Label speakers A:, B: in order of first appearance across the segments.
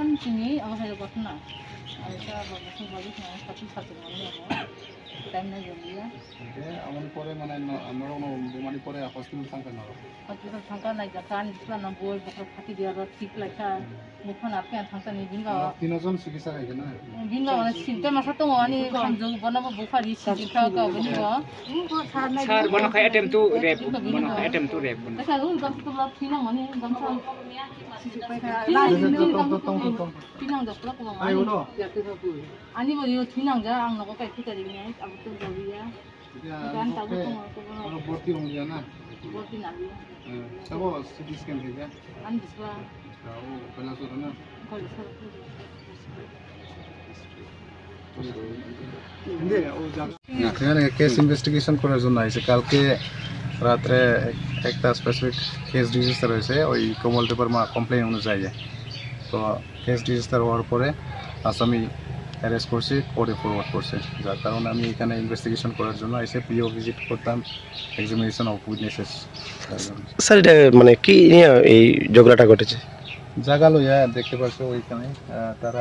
A: sini aku saya dapat na. Ada bagus bagus na tapi satu mana ya. Time na jadi ya.
B: আমার পরে মানে আমরা বোমারি পরে hospital থাকতে না
A: Hospital thangka naik jakan isla na bol bakal pati dia rot tik laika mukhan apke thangka ni binga
B: তিনজন চিকিৎসা খাইছে না
A: binga mana sinte masa to ani khamjung banaba bukhari sikha ka bani ba
C: sir bono kha attempt to rape bono kha attempt to rape bono
A: ka ru gam to la thina mani gam sa tinang da pula ko
B: আই হলো
A: ani bo yo tinang ja ang nako kai kita ring ai abu to jawi ya dan tabu to
B: আমরা ভর্তি হয়ে যায় না
A: boti na bi
B: সব CT scan থেকে
A: an diswa
B: ও পয়লা সর না
A: kol sa
B: এখানে কেস ইনভেস্টিগেশন করার জন্য আইছে কালকে রাত্রে একটা স্পেসিফিক কেস রেজিস্টার হয়েছে ওই কমল দেববর্মা কমপ্লেন অনুযায়ী তো কেস রেজিস্টার হওয়ার পরে আসামি অ্যারেস্ট করছি কোর্টে ফরওয়ার্ড করছে যার কারণে আমি এখানে ইনভেস্টিগেশন করার জন্য এসে পিও ভিজিট করতাম এক্সামিনেশন অফ উইটনেসেস
D: স্যার এটা মানে কি নিয়ে এই ঝগড়াটা ঘটেছে
B: জায়গা লইয়া দেখতে পাচ্ছ ওইখানে তারা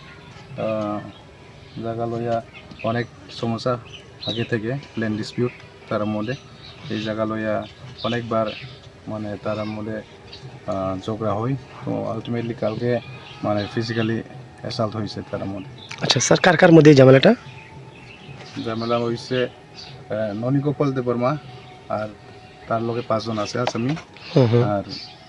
B: জায়গা লইয়া অনেক সমস্যা আগে থেকে ল্যান্ড ডিসপিউট তার মধ্যে এই জায়গা লইয়া অনেকবার মানে তার মধ্যে ঝগড়া হয় তো আলটিমেটলি কালকে মানে ফিজিক্যালি অ্যাসাল্ট হয়েছে তার মধ্যে
D: আচ্ছা স্যার কার কার মধ্যে এই ঝামেলাটা
B: ঝামেলা হয়েছে ননীগোপাল দেববর্মা আর তার লগে 5 জন আছে আসামি আর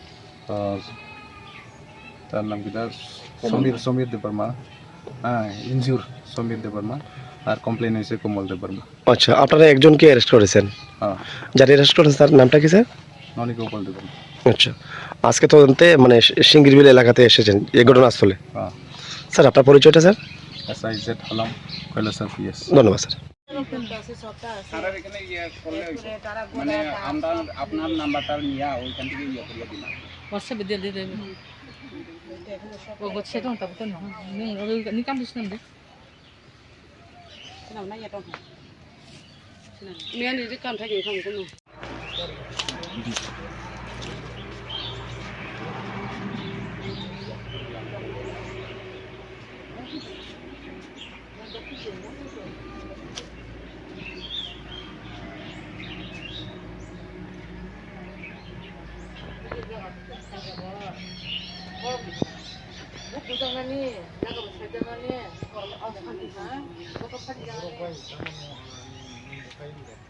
B: তার নাম কি সমীর দেববর্মা ইনজিউর সমীর দেববর্মা আর কমপ্লেন হয়েছে কমল দেববর্মা
D: আচ্ছা আপনারা একজনকে অ্যারেস্ট করেছেন
B: হ্যাঁ
D: যারা অ্যারেস্ট করেছেন তার নামটা কি স্যার
B: ননীগোপাল দেববর্মা
D: আচ্ছা আজকে তদন্তে মানে সিঙ্গিরবিল এলাকাতে এসেছেন এই ঘটনাস্থলে
B: হ্যাঁ
D: স্যার আপনার পরিচয়টা স্যার
B: SIZ হলাম কৈলাসর PS
D: ধন্যবাদ স্যার
C: স্যার এখানে ইয়ে করলে হইছে মানে আমরা আপনার নাম্বারটা নিয়া ওইখান থেকে ইয়ে করিয়া দিলাম
A: WhatsApp dia dia dia. Oh, buat saya dong, tapi kan ni kan di sini deh. Kenapa nanya dong? Ni ni di kan tadi kamu kan. Jangan ni, jangan saya jangan ni. Kalau awak kan, bukan jangan ni.